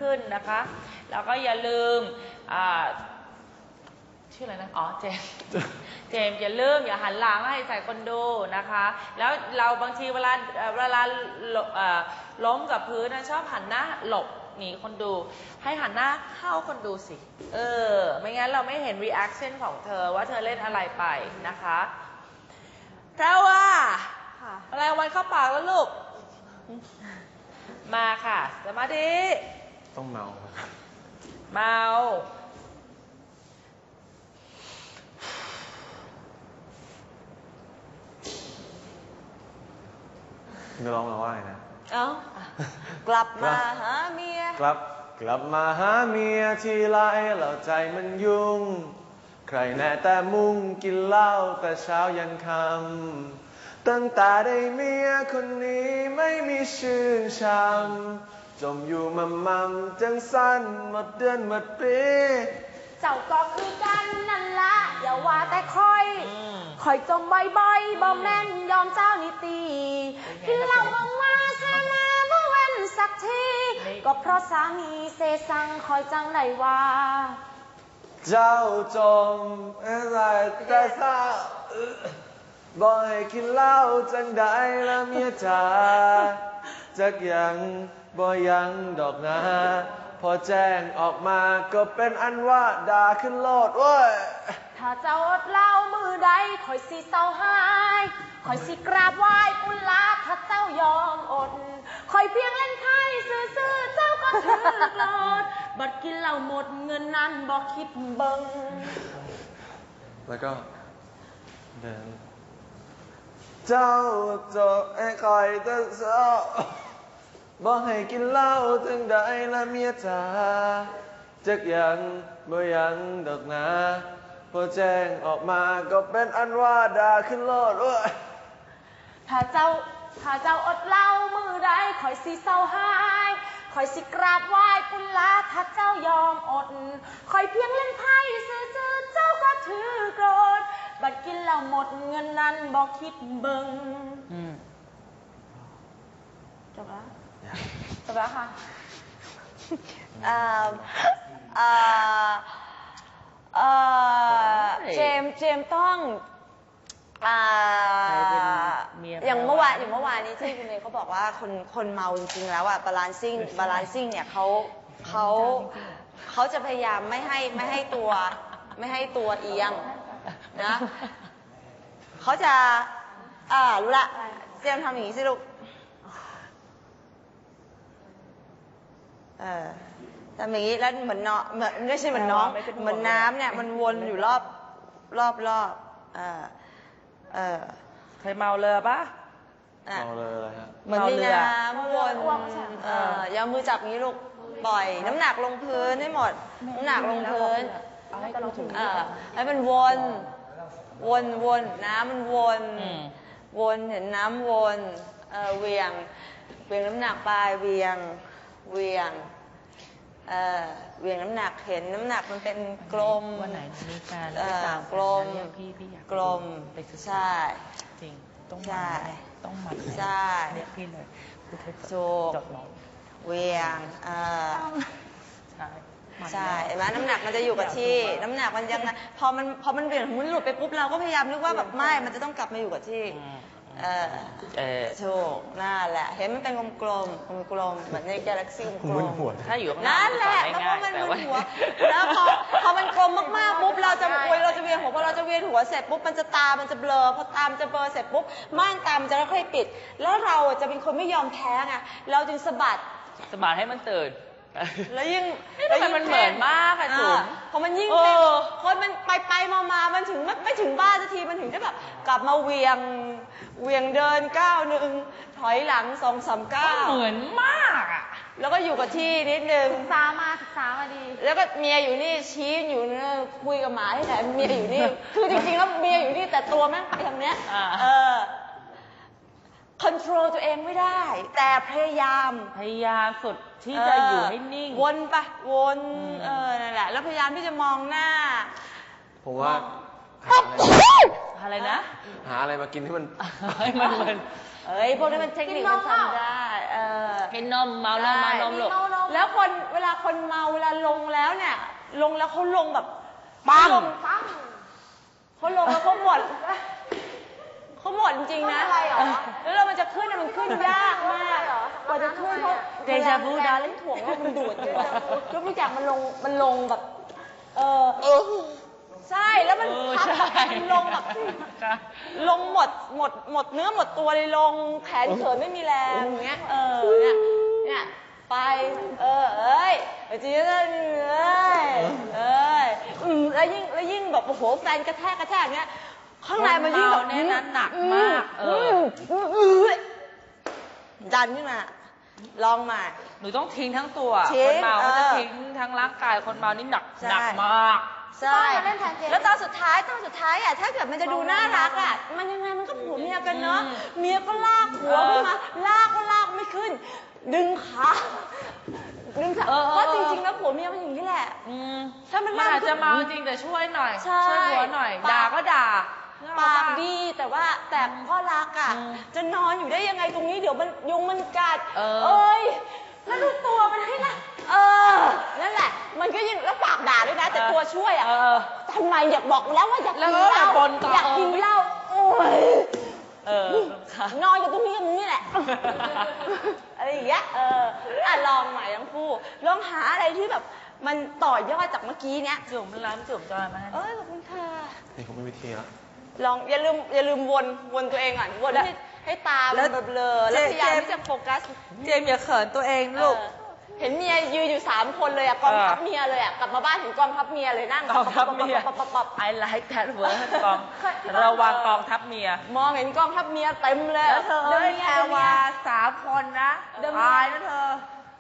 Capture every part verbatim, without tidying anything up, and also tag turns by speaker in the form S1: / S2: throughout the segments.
S1: ขึ้นนะคะแล้วก็อย่าลืมชื่ออะไรนะอ๋อเจมเจมอย่าลืมอย่าหันหลังให้ใส่คนดูนะคะแล้วเราบางทีเวลาเวลาล้มกับพื้นนะชอบหันหน้าหลบหนีคนดูให้หันหน้าเข้าคนดูสิเออไม่งั้นเราไม่เห็น reaction ของเธอว่าเธอเล่นอะไรไปนะคะแพรว่าอะไรวันเข้าปากแล้วลูกมาค่ะสมาธิ
S2: ต้องเมา
S1: เมา
S2: จะร้องมาว่าไงนะ
S3: เอ้ากลับมาหาเมีย
S2: กลับกลับมาหาเมียทีไรแล้วใจมันยุ่งใครแน่แต่มุ่งกินเหล้าแต่เช้ายันค่ำตั้งแต่ได้เมียคนนี้ไม่มีชื่นช่ำจมอยู่มั่มมั่มจังสั้นหมดเดือนหมดปี
S3: เจ้าก็คือกันนั่นละอย่าว่าแต่คอยคอยจมบ่อยๆบ่แม่นยอมเจ้านิตีกินเหล้ามองมาเธอมาเมื่อเว้นสักทีก็เพราะสามีเสสั่งคอยจังไหนว่า
S2: เจ้าจมอะไรแต่เศร้าบ่ให้กินเหล้าจังได้ละเมียจ๋าจักยังบ่ยังดอกนะพอแจ้งออกมาก็เป็นอันว่าด่าขึ้นโลดเว้ย
S3: ถ้าเจ้าอดเหล้ามือใดคอยสิเศร้าหายคอยสิกราบไหว้กุลาถ้าเจ้ายอมอดคอยเพียงเล่นไพ่ซื่อๆเจ้าก็ถือโกรธบัดกินเหล้าหมดเงินนั้นบอกคิดเบิ่ง
S2: แล้วก็เดินเจ้าจะให้คอยแต่เศร้าบอกให้กินเหล้าจังได้ละเมียจ๋าจักยังบ่ยังดอกนะพอแจ้งออกมาก็เป็นอันว่าด่าขึ้นโลดเว้ย
S3: ถ้าเจ้าถ้าเจ้าอดเหล้ามือใดคอยสิเศร้าหายคอยสิกราบไหว้กุลาถ้าเจ้ายอมอดคอยเพียงเล่นไพ่ซื่อๆเจ้าก็ถือโกรธบัดกินเหล้าหมดเงินนั้นบอกคิดเบิ่งจบแล้วจบแล้วค่ะเจมเจมต้องอย่างเมื่อวานอย่างเมื่อวานนี้ที่คุณเมย์เขาบอกว่าคนคนเมาจริงๆแล้วอะบาลานซิ่งบาลานซิ่งเนี่ยเขาเขาเขาจะพยายามไม่ให้ไม่ให้ตัวไม่ให้ตัวเอียงนะเขาจะอ่ารู้ละเจมทำอย่างนี้สิลูกเออทำอย่างนี้แล้วเหมือนเนาะเหมือนไม่ใช่เหมือนน้องเหมือนน้ำเนี่ยมันวนอยู่รอบรอบรอบเออเออ
S1: เคยเมาเรือปะ
S2: เมาเรืออะไรฮะ
S3: เหมือนมีน้ำวนเอออย่ามือจับงี้ลูกปล่อยน้ำหนักลงพื้นให้หมดน้ำหนักลงพื้นเออให้มันวนวนวนน้ำมันวนวนเห็นน้ำวนเออเวียงเวียงน้ำหนักไปเวียงเวียงเอ่อเวียงน้ำหนักเห็นน้ำหนักมันเป็นกลม
S1: วันไหนมีการ
S3: กลมกลมใช่
S1: จริงต้อง
S3: ใช่
S1: ต้องหมัด
S3: ใช่
S1: เรียกพี่เลย
S3: โจกเวียงเอ่อใช่ใช่เห็นไหมน้ำหนักมันจะอยู่กับที่น้ำหนักมันยังพอมันพอมันเบี่ยงมันหลุดไปปุ๊บเราก็พยายามนึกว่าแบบไม่มันจะต้องกลับมาอยู่กับที่เออเออโชคนั่นแหละเห็นมันเป็นกลมๆกลมๆเหมือนในกาแล็กซี่กลม
S1: ถ้าอยู่ข้างห
S3: น้านั่นแหละเพราะว่ามันมึนหัวแล้วพอพอมันกลมมากๆปุ๊บเราจะคุยเราจะเวียนหัวพอเราจะเวียนหัวเสร็จปุ๊บมันจะตามันจะเบลอพอตามจะเบลอเสร็จปุ๊บม่านตามันจะค่อยๆปิดแล้วเราจะเป็นคนไม่ยอมแพ้ไงเราจึงสะบัด
S1: สะบัดให้มันตื่น
S3: แล้วยิ่ง
S1: แล้วยิ่งมันเหมือนมากค่ะจุ๋ม
S3: พอมันยิ่งเป็นคนมันไปไปมามามันถึงไม่ไม่ถึงบ้านสักทีมันถึงจะแบบกลับมาเวียงเวียงเดินก้าวหนึ่งถอยหลังสองสามก้าว
S1: เหมือนมากอ่ะ
S3: แล้วก็อยู่กับที่นิดนึง
S4: ศึกษามาศึกษามาดี
S3: แล้วก็เมียอยู่นี่ชี้อยู่นี่คุยกับหมาที่ไหนเมียอยู่นี่คือจริงๆแล้วเมียอยู่นี่แต่ตัวแม่งไปทางเนี้ยเออคอนโทรลตัวเองไม่ได้แต่พยายาม
S1: พยายามสุดที่จะอยู่ให้นิ่ง
S3: วนไปวนเออนั่นแหละแล้วพยายามที่จะมองหน้า
S2: ผมว่า
S1: อะไรนะ
S2: หาอะไรมากินให้มัน
S1: ให้มันมัน
S3: เอ้ยพวกนี้มันเทคนิคมันทำได้เออ
S1: กินนมเมาแล้วมานมลูก
S3: แล้วคนเวลาคนเมาเวลาลงแล้วเนี่ย ลงแล้วเขาลงแบบ
S1: ปัง
S3: เขาลงปังเขาลงแล้วเขาหมดเขาหมดจริงๆนะแล้วเรามันจะขึ้นเนี่ยมันขึ้นยากมากกว่าจะขึ้นเพราะ
S1: เดจาวูดา
S3: เล่นถ่วงแล้วมันดูดอยู่ยกตัวอย่างมันลงมันลงแบบ เออใช่แล้วมัน
S1: เออ
S3: พับ
S1: ใช่
S3: มันลงแบบลงหมดหมดหมดเนื้อหมดตัวเลยลงแขนเขินไม่มีแรงอย่างเงี้ยเออเนี่ยเนี่ยไปเออเอ้ยจริงๆเลยเอ้ยเอ้ยอืมแล้วยิ่งแล้วยิ่งแบบโอ้โหแฟนกระแทกกระแทกเงี้ยข้างในมันยิ่งแบบ
S1: คนเมาเนี่ยนะหนักมากเออ
S3: ดันขึ้นมาลองมา
S1: หนูต้องทิ้งทั้งตัว
S3: ทิ้
S1: ค
S3: ง
S1: นเมาเขาจะ
S3: เออ
S1: ทิ้งทั้งร่างกายคนเมานี่หนัก
S3: ใช่
S1: หนักมาก
S3: ใช่ แล้วตอนสุดท้ายตอนสุดท้ายอ่ะถ้าเกิดมันจะดูน่ารักอ่ะมันยังไงมันก็ผัวเมียกันเนาะเมียก็ลากหัวขึ้นมาลากก็ลากไม่ขึ้น ดึงขาดึงขา
S1: เออเออ
S3: เพราะจริงๆแล้วผัวเมียมันอย่างนี้แหละ
S1: อืม
S3: ถ้ามัน
S1: มันอาจ
S3: มาก
S1: จะเมาจริงแต่ช่วยหน่อย
S3: ใช่
S1: ช่วยหัวหน่อย
S3: ปาก
S1: ด่าก็ด่า
S3: ปากดีแต่ว่าแต่พ่อรักอ่ะ
S1: อืม
S3: จะนอนอยู่ได้ยังไงตรงนี้เดี๋ยวมันยุงมันกัด
S1: เออ
S3: เอ้ยแล้วดูตัวมันให้ละเออนั่นแหละ มันก็ยิ่งแล้วปากด่าด้วยนะ แต่ตัวช่วยอ่ะ
S1: เออ
S3: ทำไมอยากบอกแล้วว่าอยาก
S1: แล้ว
S3: กิน
S1: ก็
S3: เหล้า
S1: บ่นต่อ
S3: อยากกินเหล้าโอ้ย
S1: เออค่ะ
S3: นอนอยู่ตรงนี้กับมึงนี่แหละ อะไรอย่างเงี้ยเอออ่ะลองใหม่ทั้งคู่ลองหาอะไรที่แบบ มันต่อยอดจากเมื่อกี้เนี้ย
S1: จุ่มร้านจุ่มจอยมาให้
S3: เอ้ยขอบคุณค่ะ
S2: นี่เขาไม่วิธีแล้ว
S3: ลองอย่าลืมอย่าลืมวนวนตัวเองก่อนวนให้ให้ตามันเบลอๆแล้วพยายามที่จะโฟกัส
S1: เจมส์อย่าเขินตัวเองลูก
S3: เออเห็นเมียยืนอยู่สามคนเลยอะกองทัพเมียเลยอะกลับมาบ้านเห็นกองทัพเมียเลยนั่ง
S1: กองทัพเมีย
S3: ปับปับปับปับ
S1: I like that word กองระวังกองทัพเมีย
S3: มองเห็นกองทัพเมียเต็มเลย
S1: แล้วเธอ
S3: ดิ
S1: เอ้ย
S3: น
S1: แพรวาสามคนนะ
S3: เดิน
S1: ตายนะเธอ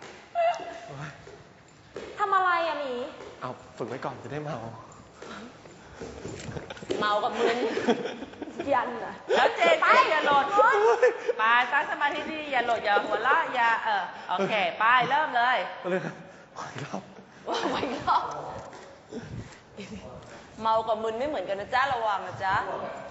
S3: ทำอะไรอะหมี
S2: เอาฝึกไว้ก่อนจะได้เมา
S3: เมากับมึนยันอะ
S1: แล้วเจนก็อย่าหล่นไปตั้งสมาธิดีอย่าหล่นอย่าหัวเราะอย่าเออโอเคไปเริ่มเลย
S2: ก็เลยขออีกรอบ
S3: ว่าไว้ก็เมากับมึนไม่เหมือนกันนะจ๊ะระวังนะจ๊ะ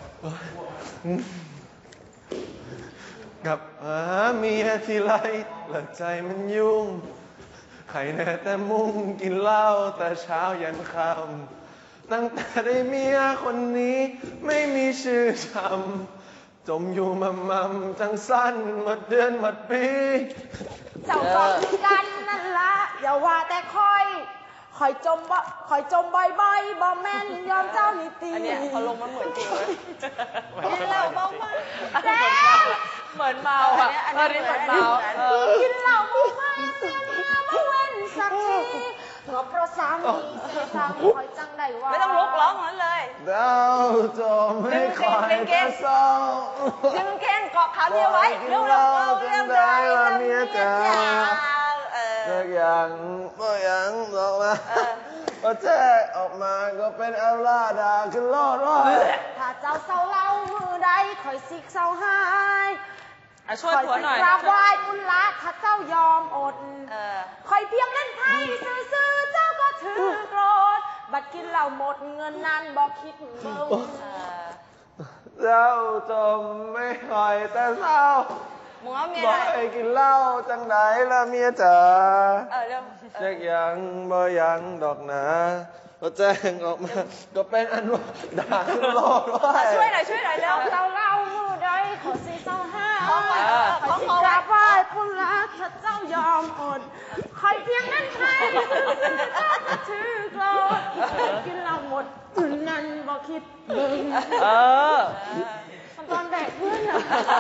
S2: กับหาเมียทีไรหลักใจมันยุ่งใครแน่แต่มุ่งกินเหล้าแต่เช้ายันค่ำตั้งแต่ได้เมียคนนี้ไม่มีชื่อจำจมอยู่มัมมัมจังสั้นหมดเดือนหมดปี
S4: เจ้าก็คือกันนั่นละอย่าว่าแต่คอยคอยจมบ่คอยจมบ่อยๆบ่แม่นยอมเจ้านิตี
S3: อันเนี้ยพอลงมันเหมือนจริงเลย
S1: กินเหล้าเมาๆ
S4: แล้
S1: เหมือนเมาอ่ะ
S3: อัน
S1: เอ
S3: นี้
S1: อ
S3: อั
S1: นี่
S3: น
S1: เห
S3: นี้
S1: มือนเมาเออ
S4: กินเหล้าเมาไม่เมียเมียมาเว้นสักทีก็เพราะสามีเสียสามีคอยจังได้ว่า
S3: ไม่ต้องลุกร้องนั้นเลย
S2: ดาวจมไม่คอยแต่เศร้า
S3: ดึงเก่งเกาะขาเมียไว้เร็วๆเร็วๆเร็วๆเร็วๆเร็วๆเมียจ๋าเออ
S2: สักอย่างก็ยังบอกมาพอแจ้ออกมาก็เป็นอัลลาดาขึ้นโลดว่า
S4: ถ้าเจ้าเศร้าเล่ามือใดคอยสิกเศร้าหาย
S1: อ่ะช่วย
S4: คอย
S1: ผัว
S4: สิ
S1: หน่อย
S4: กราบไหว้อุลละถ้าเจ้ายอมอด
S3: เออ
S4: คอยเพียงเล่นไพ่ซื้อๆเจ้าก็ถือโกรธบัดกินเหล้าหมดเงินนั้นบอกคิดเบิ่ง
S3: เออ
S2: เจ้าจมไม่คอยแต่เศร้า
S3: มึงเอาเมีย
S2: บ
S3: ไห
S2: อก
S3: น
S2: ให้กินเหล้าจังไหนละเมียจ๋า
S3: เออเร็ว
S2: เจ๊กยังบ่ยังดอกหนาก็แจ้งออกมา ก็เป็นอันว่าด่าขึ้นโลดว่า
S3: ช่วยหน่อยช่วยหน่อยเร็ว
S4: เศร้าเล่ามือใดขอสิเศร้าห้า
S3: ของไว้
S4: ข
S3: ข
S4: อ
S3: อง
S4: สิ
S3: เขา
S4: ก
S3: ไว้
S4: ราบไหว้ผู้รักถ้าเจ้ายอมอดคอยเพียงเล่นไพ่ซื้อๆเจ้าก็ถือโกรธกินเหล้าหมดเงินนั้นบอกคิดเบิ่ง
S1: เออ
S4: ตอนแบกเพื่อนอะ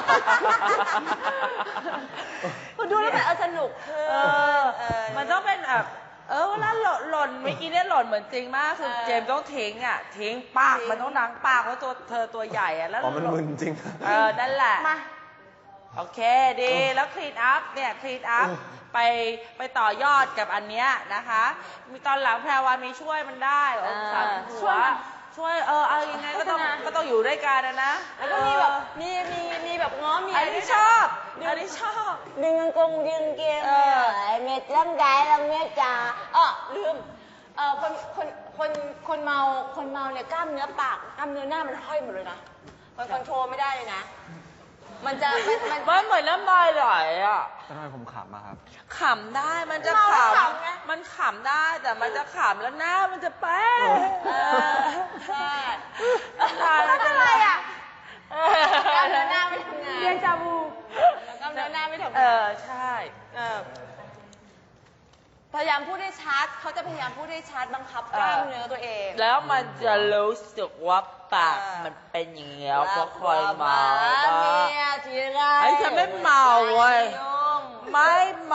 S3: คุณดูแล้วแบบเออสนุกคือ
S1: เออ
S3: เออ
S1: มันต้องเป็นแบบเออเวลาหล่นหล่นเมื่อกี้เนี่ยหล่นเหมือนจริงมากคือ
S3: เออ
S1: เจมส์ต้องทิ้งอ่ะทิ้งปาก
S3: ทิ้ง
S1: มันต้องดังปากเพราะตัวเธอตัวใหญ่อ่ะแล้ว
S2: อ๋อมันมึนจริง
S1: เออนั่นแหละ
S4: มา
S1: โอเคดีแล้วคลีนอัพเนี่ยคลีนอัพไปไปต่อยอดกับอันเนี้ยนะคะ มีตอนหลังแพรวามีช่วยมันได้เออสามหัวช่วยเออเอายังไงก็ต้องก็ต้องอยู่ด้วยกันนะนะ
S3: แล้วก็มีแบบมีมีมีแบบง้อเมีย
S1: อันนี้ชอบอันนี้ชอบ
S3: ดึงกางกงดึงเกง
S1: เออ
S3: เม็ดร่างกายเราเมียจ๋าอ๋อลืมเออคนคนคนคนเมาคนเมาเนี่ยกล้ามเนื้อปากกล้ามเนื้อหน้ามันห้อยหมดเลยนะมันคอนโทรลไม่ได้เลยนะ มันจะมันมัน
S1: มันเหมือนน้ำลายไหลอ่ะ
S2: ทำไมผมขำมาครับ
S1: ขำได้มันจะ
S3: เมา
S1: ข
S3: แล้วขำไง
S1: ำมันขำได้แต่มันจะขำแล้วหน้ามันจะแป๊ะ
S3: เออใช่
S1: ตา
S3: แล้วทำไมอ่ะ
S1: เออก
S3: ล้ามเนื้อหน้าไม่ทำงาน
S4: เรียนจาบู
S3: กล้ามเนื้อหน้าไม่ทำ
S1: เอง
S3: าน
S1: อใช่
S3: เออพยายามพูดให้ชัดเขาจะพยายามพูดให้ชัดบังคับกล้ามเนื้อตัวเอง
S1: แล้วมันจะรู้สึกว่าปาก
S3: เออ
S1: มันเป็นอย่างเงี้ยก็คอยเมา
S3: เมี
S1: บ้าง
S3: ยทีไร
S1: ไอ้ฉันไม่เมาเว้ย
S3: ยุ่ง
S1: ไม่เมา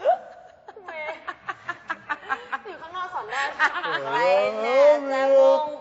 S4: อยู่ข้างนอกสอนได้
S3: ใครเนี่ยจะมุ่ง